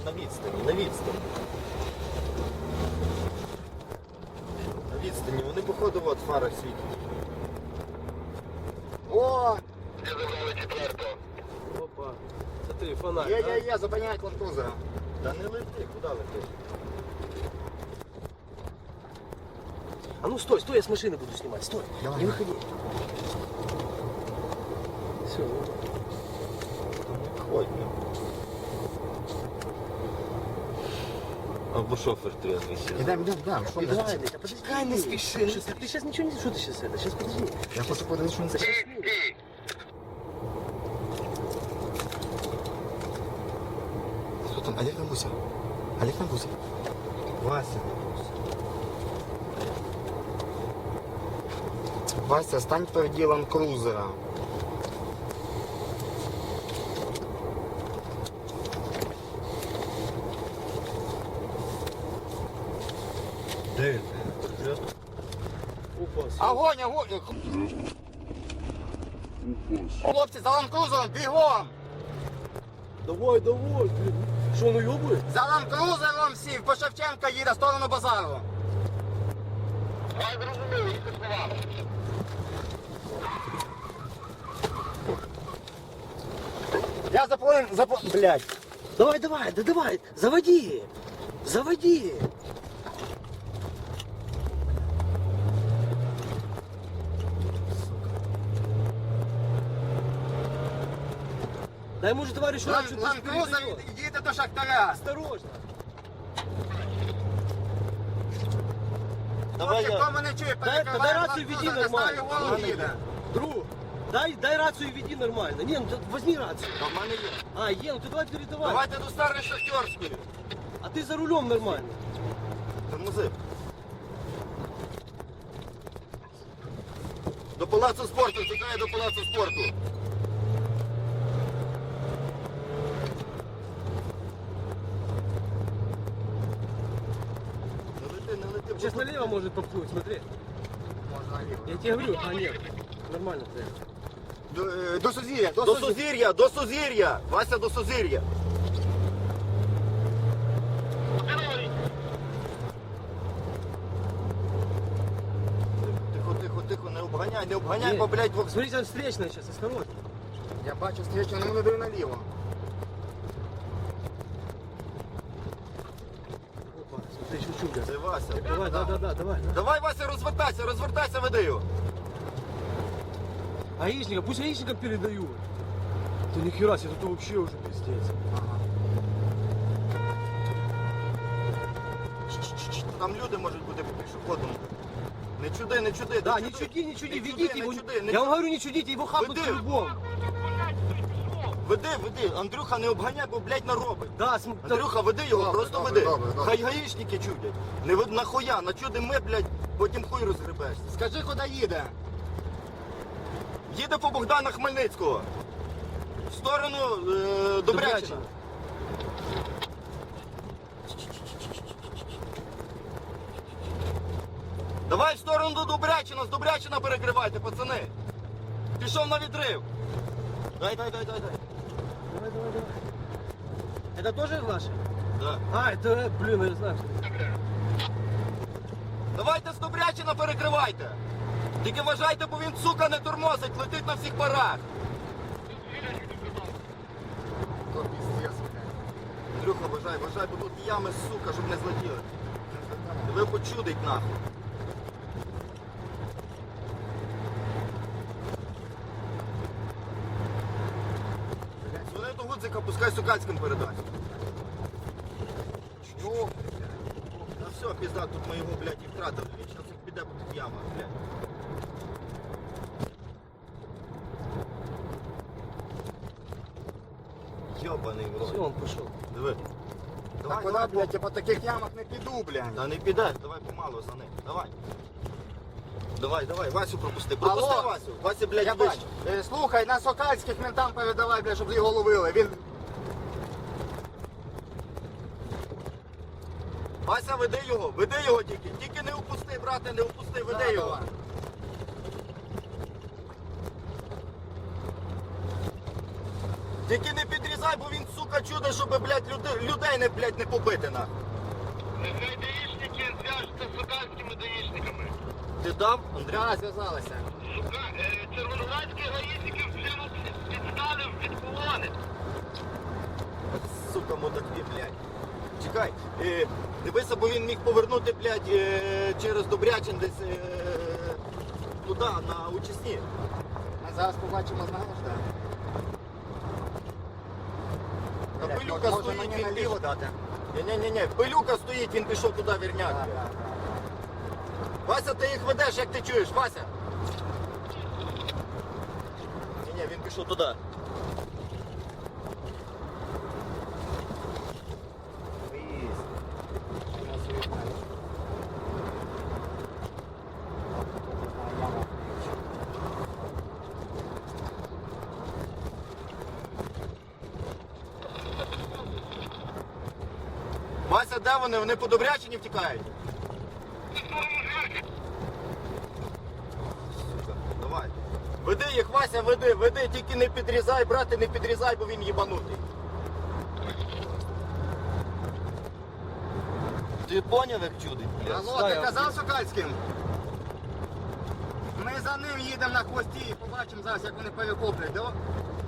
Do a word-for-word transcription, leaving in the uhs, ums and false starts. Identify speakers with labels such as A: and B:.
A: на відстані, на відстані. На відстані, вони походу от фара світять.
B: О!
C: Де забрали четвертого?
D: Опа. Смотри, фонарь.
B: Є,
D: да?
B: є, є, зупиняють ландкрузера.
A: Та не лети, куди летиш?
D: А ну стой, стой, я с машины буду снимать. Стой,
B: Давай.
D: не выходи. Все.
A: Ходь. Або шофер трезвий ще.
B: Ідемо, ідемо, ідемо. Що ми?
D: Идеально, да подожди.
B: Чекай, не спіши.
D: Сейчас, ты сейчас ничего не... Что ты сейчас это? Сейчас подожди.
B: Я хочу подивитися, що він це.
C: Стій!
B: Хто там? Олег Набуся. Олег Набуся.
A: Вася.
B: Вася, стань впереді ландкрузера.
A: Де він?
D: Опа, всё.
B: Огонь, огонь! Хлопці, за ландкрузером, бігом!
D: Давай, давай, блин. Что, он уебывает?
B: За ландкрузером всі, по Шевченка їде, в сторону базару.
C: Давай зрозуміли, їх слова.
B: Я заплив, заплив, блядь.
D: Давай, давай, да давай, заводи. Заводи. Дай, может, товарищ
B: Лан-
D: что-то
B: Ландкрузер
D: передает.
B: їде до Шахтаря.
D: Осторожно.
A: Давай
B: Хлопці,
A: я.
B: хто мене чує,
D: Дай, дай
B: перекриває
D: рацию веди
B: ландкрузер,
D: нормально.
B: ставлю голову
D: Ладно,
B: їде.
D: Друг, дай, дай рацию веди нормально. Не, ну ты возьми рацию.
A: Та в мене є.
D: А, е, ну ты давай передавай.
A: Давайте до старої шахтерської.
D: А ты за рулем нормально.
A: Тормози. До палацу спорту, тікає до палацу спорту. Не лети, не лети.
D: Сейчас налево может попнуть, смотри.
B: Можна наліво.
D: Я тебе говорю, а нет. Нормально ты.
B: До, е, до Сузір'я, до
A: До
B: Сузір'я.
A: Сузір'я, до Сузір'я. Вася, до Сузір'я. Тихо, тихо, тихо, не обганяй, не обганяй,
D: Нет.
A: бо, блядь, в...
D: Смотрите, там встречная сейчас, осторожно.
B: Я бачу стрічну, але не даю наліво.
D: Опа, смотри, еще чудо.
A: Це Вася.
D: Давай, да, да, да, давай. да.
A: Давай, Вася, розвертайся, розвертайся, веди його.
D: Гаишника, пусть гаишникам передают. Да нихера себе, тут вообще уже пиздец.
A: Там люди можуть бути по пішоходам. Не чуди, не чуди.
D: Да, не чуди, не чуди,
A: Не
D: ведите
A: чуди,
D: его.
A: не чуди, не
D: Я вам
A: чуди.
D: говорю, не чудите, его хапнут
A: Веди.
D: по-любому.
A: Веди, веди. Андрюха, не обганяй, бо, блядь, наробить.
D: Да, см... да,
A: Андрюха, веди його,
B: Добре,
A: просто
B: добре,
A: веди.
B: добре, добре.
A: Хай гаїшники чудять. Не вед- нахуя, начудимо ми, блядь, потім хуй розгребешся.
B: Скажи, куди їде?
A: Їде по Богдана Хмельницького. В сторону е, Добрячина. Давай в сторону до Добрячина, з Добрячина перекривайте, пацани. Пішов на відрив. Дай, дай, дай, дай, дай.
D: Давай, давай, давай. Это тоже ваши?
A: Да.
D: А, это, блин, я знаю.
A: Давайте з Добрячина перекривайте. Тільки вважайте, бо він, сука, не тормозить, летить на всіх парах.
B: То піздець.
A: Андрюха, вважай, вважай, бо тут ями, сука, щоб не злетіли. Ви почудить нахуй. Дзвони до Гудзика, пускай Сукальським передасть.
B: Чого?
A: Ну все, пізда, тут ми його, блядь, і втратили. Він зараз піде по тих ямах, блядь. Йобаний в
D: Все,
A: рот.
D: он пошел.
A: Диви.
B: Та
A: Давай,
B: куди,
A: давай,
B: блядь, я по таких ямах не піду, блядь.
A: Та не підеш, давай помалу за ним. Давай. Давай, давай, Васю пропусти. Пропусти
B: Алло.
A: Васю. Вася, блядь,
B: Я
A: вище.
B: бачу. Е, Слухай, на Сокальських ментам передавай, блядь, щоб його ловили. Він...
A: Вася, веди його, веди його тільки. Тільки не упусти, брате, не упусти, веди
B: Да,
A: його.
B: давай.
A: Тільки не підрізай, бо він, сука, чудо, щоб, блядь, люди, людей не, блядь, не побити, нахуй.
C: Нехай даїшники зв'яжуться з сокальськими даїшниками.
A: Ти дав,
B: Да,
A: Андрій?
B: зв'язалися.
C: Сука, е, червоноградські гаїшники вже нас відстали від колони.
A: Сука, мудаки, блядь. Чекай, е, дивися, бо він міг повернути, блядь, е, через Добрячин десь е, туди, на Учасні.
B: Ми зараз побачимо, знаєш, так?
A: Та
B: Блядь,
A: пилюка
B: може
A: стоїть,
B: мені
A: він
B: наліво
A: пішов.
B: дати?
A: Ні-ні-ні, пилюка стоїть, він пішов туди, вірняк.
B: Так, так, так.
A: Вася, ти їх ведеш, як ти чуєш, Вася? Ні-ні, він пішов туди.
B: Виїзд. У нас є знаєш. Яма.
A: Вася, де вони? Вони по Добрячині втікають? Сука, давай. Веди їх, Вася, веди, веди, тільки не підрізай, брате, не підрізай, бо він їбанутий. Ти поняв, як чудить? блядь?
B: Алло, ти казав Сокальським? Ми за ним їдемо на хвості і побачимо зараз, як вони перехоплюють. Давай.